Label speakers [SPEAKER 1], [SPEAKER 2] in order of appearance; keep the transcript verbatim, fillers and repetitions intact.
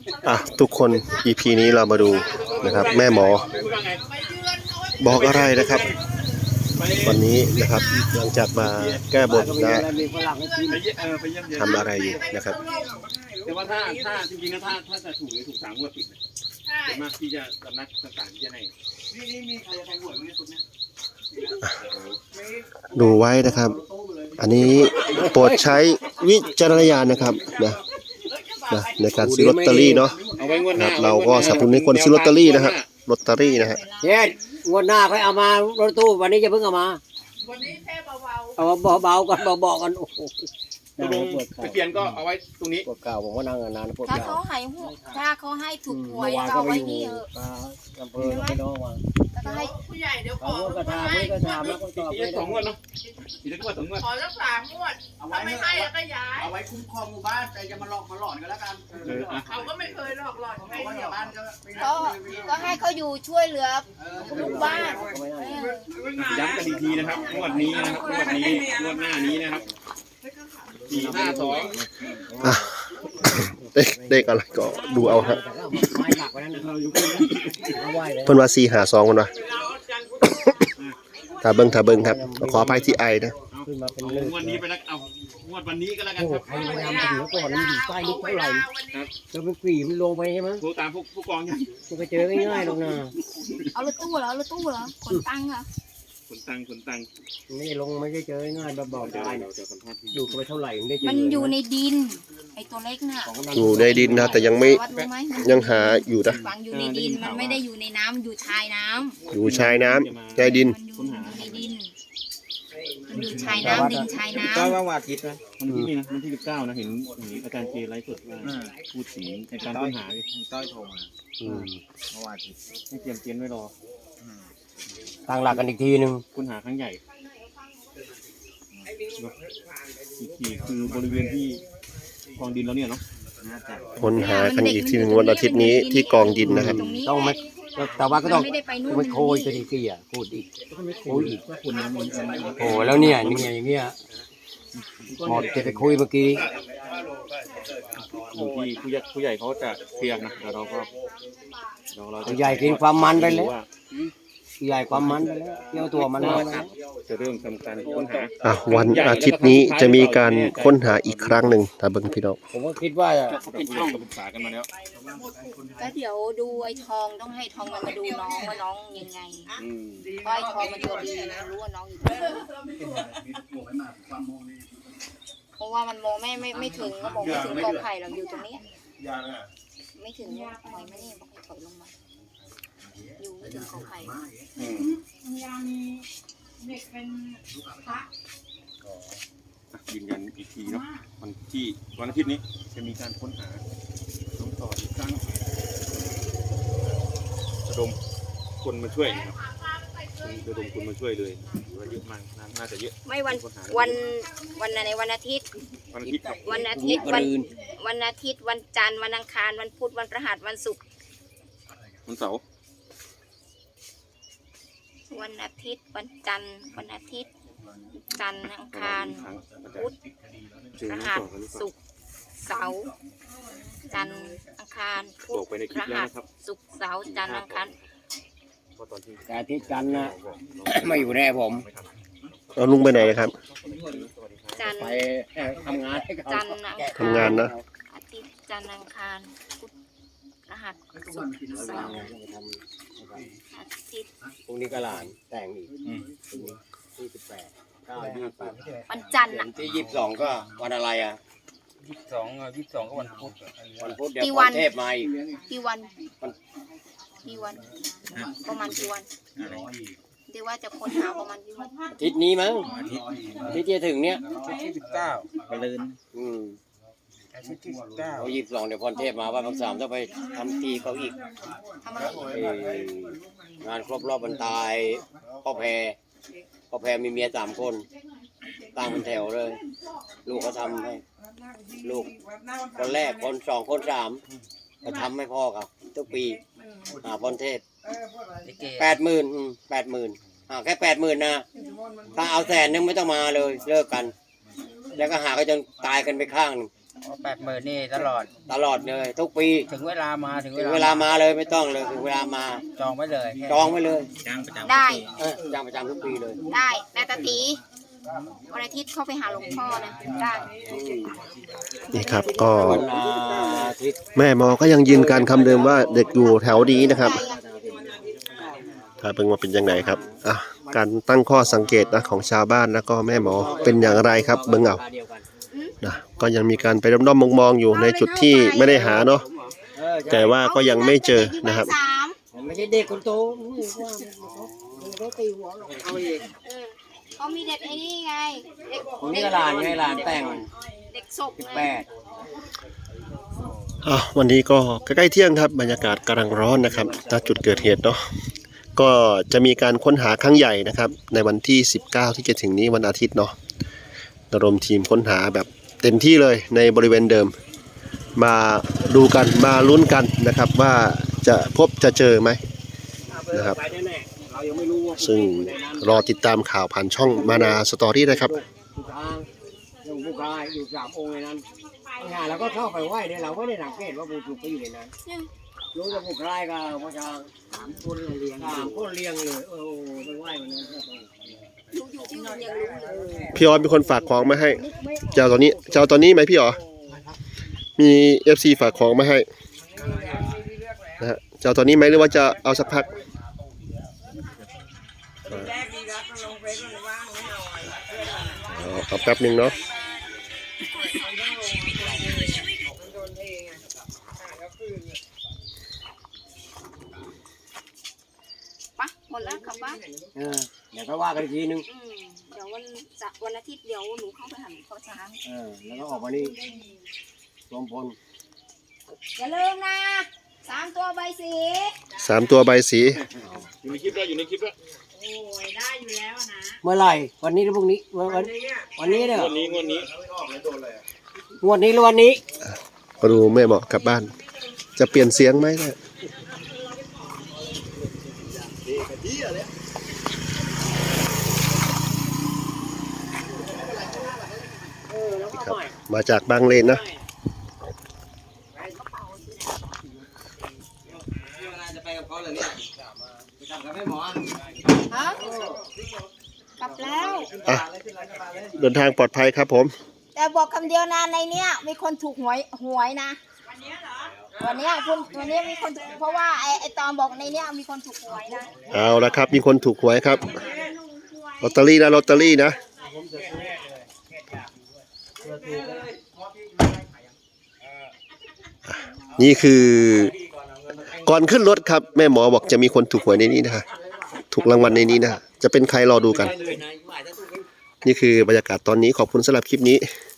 [SPEAKER 1] อ่ะทุกคน อี พี นี้เรามาดูนะครับแม่หมอบอกอะไรนะครับวันนี้นะครับหลังจากมาแก้บนนะทำอะไรอยู่นะครับ
[SPEAKER 2] แต่ว่าถ้าถ้าจริงๆนะถ้าถ้าจะถูกเลยถูกสามงวดติดเลยส่วนมากที่จะสำนักต่างๆที่จะให้นี่นี่มีใครจะแทงหวยไหมเนี่ยสุดเนี่ย
[SPEAKER 1] ดูไว้นะครับอันนี้โปรดใช้วิจารณญาณนะครับนะนะในการซื้อลอตเตอรี่เนาะครับเราก็สนับสนุนให้คนซื้อลอตเตอรี่นะฮะลอตเตอรี่นะฮะ
[SPEAKER 3] เฮ็ดงวดหน้าค่อยเอามารถตู้วันนี้จะเพิ่งเอามาวันนี้แค่เบาๆเอาเบาๆกันเบาๆกันโอ้โห
[SPEAKER 2] ตะเกียนก็เอาไว้ตรงนี้
[SPEAKER 3] ปวดเก่าผมก็นั่งนานปวด
[SPEAKER 4] ถ้า
[SPEAKER 3] เก่า
[SPEAKER 4] เขาให้หัวถ้าเขาให้ถูกหวยก็เอาไว้นี่เออ
[SPEAKER 3] อำเภอไม่น้องว่า
[SPEAKER 4] ถ้าให้ผู้ใหญ่เดี๋ยวขอ
[SPEAKER 3] เขาก็ทำไม่ก็ทำแล้วก็ตอบไม่
[SPEAKER 2] สองงวดเนาะอีกสักงวดสองงวด
[SPEAKER 4] ขอสักสามงวดถ้าไม่ให้แล้วก็ย้าย
[SPEAKER 5] เอาไว้คุ้มครองหมู่บ้านแต่จะมาหลอกมาหลอนกันแล้วกัน
[SPEAKER 4] เขาก็ไม่เคยหลอกหลอนใครเดียว
[SPEAKER 5] บ้านก็
[SPEAKER 4] ก็ให้เขาอยู่ช่วยเหลือลูกบ้าน
[SPEAKER 2] ย้ำกันอีกทีนะครับงวดนี้นะครับงวดนี้งวดหน้านี้นะครับสี่ห้าสอง
[SPEAKER 1] เด็กเด็กอะไรก็ดูเอาฮะเพิ่นว่าสี่หาสองคนวะถ้าเบิ้งถ้าเบิ้งครับขออภัยที่ไอนะ
[SPEAKER 2] งวดนี้ไปแล้วเอางวดวันนี้ก็แล้วกันครับ
[SPEAKER 3] ใครไปทำถึงก่อนมันอยู่ใต้นิดเท่าไหร่แล้วมันกรีมันลงไปใช่ไหม
[SPEAKER 2] โทรตามพวกผู้กองยัง
[SPEAKER 3] มันก็เจอง่ายๆหรอกนะ
[SPEAKER 4] เอารถตู้เหรอรถตู้เหรอขนตังค์เหรอ
[SPEAKER 2] ขนตังขนตัง
[SPEAKER 3] ไม่ลงไม่ได้เจอง่ายแบบบอกได้อยู่ไปเท่าไหร่มันได้เจอ
[SPEAKER 4] มันอยู่ในดินไอตัวเล็กน่ะ
[SPEAKER 1] อยู่ในดินนะแต่ยังไม่ยังหาอยู่นะ
[SPEAKER 4] ฝังอยู่ในดินมันไม่ได้อยู่ในน้ำอยู่ชายน้ำ
[SPEAKER 1] อยู่ชายน้ำในดิน
[SPEAKER 4] ในดินมันอยู่ชายน้ำดินชายน้ำ
[SPEAKER 2] ก็ว่าวันอาทิตย์นะวันที่นี่นะวันที่สิบเก้านะเห็นอาจารย์เจไลฟ์สดว่าพูดถึงในการค้นหา
[SPEAKER 5] ต้อยโทรมาเมื่อวานอาทิตย์
[SPEAKER 2] ให้เตรียมเตรียมไว้รอ
[SPEAKER 3] ตั้งหลักกันอีกทีนึง
[SPEAKER 2] ค้นหาครั้งใหญ่อีกทีคือบริเวณที่กองดินแล้วเนี่ยเนาะ
[SPEAKER 1] ค้นหากันอีกทีหนึ่งวันอาทิตย์นี้ที่กองดินนะครับ
[SPEAKER 3] ต้องไหมแต่ว่าก็ต้องไม่โคยจะดีกี่อ่ะพูดอีกโอ้ยอีกโอ้แล้วเนี่ยนี่ไงอย่างเงี้ยหมดจะไปคุยเมื่อกี้
[SPEAKER 2] อยู่ที่ผู้ใหญ่ผู้ใหญ่เขาจะเคลียร์นะแต่เราก็
[SPEAKER 3] เราผู้ใหญ่กินความมันไปเลยผู้ใหญ่ความมันไปแล้วเที่ยวตัวมันแล้ว
[SPEAKER 2] จะเริ่มทำการค้นหา
[SPEAKER 1] อ่ะวันอาทิตย์นี้จะมีการค้นหาอีกครั้งหนึ่งถ้าเบิ่งพี่น้อง
[SPEAKER 3] ผมก็คิดว่า
[SPEAKER 2] เขาเป็นช่องปรึกษากันมาแล้ว
[SPEAKER 4] ก็เดี๋ยวดูไอ้ทองต้องให้ทองมันมาดูน้องว่าน้องยังไงเพราะไอ้ทองมันตัวดีรู้ว่าน้องอยู่ตรงไหนเพราะว่ามันมองไม่ไม่ไม่ถึงก็มองไม่ถึงกอไผ่เราอยู่ตรงนี้ไม่ถึงหอยไม่นี่บอกให้ถอยลงมาอยู่ไม่ถึงกอไผ่
[SPEAKER 2] ยืนยันอีกทีเนาะวันที่วันอาทิตย์นี้จะมีการค้นหาน้องต่ออีกครั้งระดมคนมาช่วยนะครับระดมคนมาช่วยเลยว่าเยอะมากน่าจะเยอะ
[SPEAKER 4] ไม่วันวันวันไหนวันอาทิตย์
[SPEAKER 2] วันอาทิตย์
[SPEAKER 4] วันอาทิตย์วันวันอาทิตย์วันจันทร์วันอังคารวันพุธวันพฤหัสวันศุกร์
[SPEAKER 2] วันเสาร์
[SPEAKER 4] วันอาทิตย์วันจันทร์วันอาทิตย์จันทร์อังคารพุธพฤหัสศุกร์เสาร์จันทร์อังคารพุธพฤหัสศุกร์เสาร์จันทร์อังคาร
[SPEAKER 3] แต่อาทิตย์จันทร์นะไม่อยู่แน่ผม
[SPEAKER 1] เอาลุงไปไหนครับ
[SPEAKER 4] จันทร์
[SPEAKER 3] ไปทำงาน
[SPEAKER 4] จันทร์
[SPEAKER 1] ทำงานนะ
[SPEAKER 4] อาทิตย์จันทร์อังคารพุธพฤหัสศุกร์เสาร์อาทิตย์
[SPEAKER 3] พรุ่งนี้ก็หลานแต่งอีกที่สิบแปดเก้ายี่สิบ
[SPEAKER 4] วันจันทร์
[SPEAKER 3] ที่ยี่สิบสองก็วันอะไรอ่ะ
[SPEAKER 5] ยี่สิบสองยี่สิบสองก็วันพุธ
[SPEAKER 3] วันพุธเดี๋ยววันเทพมาอีก
[SPEAKER 4] กี่วันกี่วันประมาณกี่วันเดี๋ยวว่าจะค้นหาประมาณกี่วัน
[SPEAKER 3] อาทิตย์นี้มั้งอาทิตย์ที่จะถึงเนี้ย
[SPEAKER 5] ที่สิบเก้าไปเลย
[SPEAKER 3] อืม
[SPEAKER 5] อาทิตย์ที่สิบเก้า
[SPEAKER 3] เอายี่สิบสองเดี๋ยวพรเทพมาวันสามต้องไปทำทีเขาอีกงานครบรอบวันตายพ่อแพรพ่อแพรมีเมียสามคนตั้งเป็นแถวเลยลูกเขาทำให้ลูกคนแรกคนสองคนสามก็ทำให้พ่อครับทุกปีหาพรเทพแปดหมื่นแปดหมื่นอ่าแค่แปดหมื่นนะถ้าเอาแสนนึงไม่ต้องมาเลยเลิกกันแล้วก็หาก็จนตายกันไปข้างนึง
[SPEAKER 5] แปดหมื่นนี่ตลอด
[SPEAKER 3] ตลอดเลยทุกปี
[SPEAKER 5] ถึงเวลามาถึง
[SPEAKER 3] ถึงเวลามาเลยไม่ต้องเลยถึงเวลามา
[SPEAKER 5] จองไว้เลย
[SPEAKER 3] จองไว้เลย
[SPEAKER 5] จ้างประจำ
[SPEAKER 4] ได้
[SPEAKER 3] เออจ้างประจำทุกปีเลย
[SPEAKER 4] ได้แต่ตาตีวันอาทิตย์เข้าไปหาหลวงพ่อนะได้
[SPEAKER 1] นี่ครับก็
[SPEAKER 3] วันอาทิตย์
[SPEAKER 1] แม่หมอก็ยังยืนการคำเดิมว่าเด็กอยู่แถวนี้นะครับถ้าเพิ่งมาเป็นยังไงครับอ่ะการตั้งข้อสังเกตนะของชาวบ้านแล้วก็แม่หมอเป็นอย่างไรครับเบิ่งเอานะก็ยังมีการไปด้อมๆมองๆอยู่ในจุดที่ไม่ได้หาเนาะแต่ว่าก็ยังไม่เจอนะครับ
[SPEAKER 4] สาม
[SPEAKER 3] ไม่ใช่เด็กคนโตเขาตีหัวหรอกเอาอีก
[SPEAKER 4] เออเขามีเด็กไอ้นี่ไงเด็ก
[SPEAKER 3] ผมนี่ก็หลานไงหลานแต่ง
[SPEAKER 4] เด็กศพไง
[SPEAKER 3] แปด
[SPEAKER 1] อ่ะวันนี้ก็ใกล้ๆเที่ยงครับบรรยากาศกำลังร้อนนะครับณจุดเกิดเหตุเนาะก็จะมีการค้นหาครั้งใหญ่นะครับในวันที่สิบเก้าที่จะถึงนี้วันอาทิตย์เนาะระดมทีมค้นหาแบบเต็มที่เลยในบริเวณเดิม มาดูกันมาลุ้นกันนะครับว่าจะพบจะเจอไหมนะครับซึ่งรอติดตามข่าวผ่านช่องมานาสตอรี่นะครับ
[SPEAKER 3] ผู้ชายยังผู้ชายอยู่สามองค์ในนั้นงานเราก็เข้าไปไหว้เนี่ยเราไม่ได้สังเกตว่าผู้ถูกไปอยู่ในนั้นรู้ว่าผู้ชายก็ผู้ชายสามคนเรียงสามคนเรียงเลยเออไปไหว้วันนั้น
[SPEAKER 4] รู้อยู่ที่โรงเรียนรู้อยู่
[SPEAKER 1] พี่ออสมีคนฝากของมาให้เจ้าตัวนี้เจ้าตัวนี้ไหมพี่อ๋อมีเอฟซีฝากของมาให้นะฮะเจ้าตัวนี้ไหมหรือว่าจะเอาสักพักเอาเอาแป๊บหนึ่งเนาะ
[SPEAKER 4] ปะหมดแล้วกลับบ้าน
[SPEAKER 3] เออเดี๋ยวก็ว่ากันอีกทีนึง
[SPEAKER 4] อืมเดี๋ยววันจะวันอาทิตย์เดี๋ยวหนูเข้าไปหาหลวงพ่อช้าง
[SPEAKER 3] เออแล้วก็ออกมานี่รวมพล
[SPEAKER 4] อย่าลืมนะสามตัวใบสี
[SPEAKER 1] สามตัวใบสี
[SPEAKER 2] อยู่ในคลิปแล้วอยู่ในคลิปแล้ว
[SPEAKER 4] โอ้ยได้อยู่แล้วนะ
[SPEAKER 3] เมื่อไหร่วันนี้หรือพรุ่งนี้วันวันวันนี้เนี่ย
[SPEAKER 2] งวดนี้งวดนี้
[SPEAKER 3] งวดนี้หรือวันนี้
[SPEAKER 1] มาดูแม่บอกกลับบ้าน จะเปลี่ยนเสียงไหมเนี่ยครับมาจากบางเลนนะ
[SPEAKER 3] จะไปกับเขาเลยเนี่ยไปทำกับแม่หมอ
[SPEAKER 4] ฮะกลับแล้ว
[SPEAKER 1] อ่ะเดินทางปลอดภัยครับผม
[SPEAKER 4] แต่บอกคำเดียวนะในเนี้ยมีคนถูกหวยหวยนะวันนี้เหรอวันนี้คุณวันนี้มีคนถูกเพราะว่าไอ้ไอ้ตอนบอกในเนี้ยมีคนถูกหวยนะ
[SPEAKER 1] เอาละครับมีคนถูกหวยครับลอตเตอรี่นะลอตเตอรี่นะนี่คือก่อนขึ้นรถครับแม่หมอบอกจะมีคนถูกหวยในนี้นะฮะถูกรางวัลในนี้นะฮะจะเป็นใครรอดูกัน นี่คือบรรยากาศตอนนี้ขอบคุณสำหรับคลิปนี้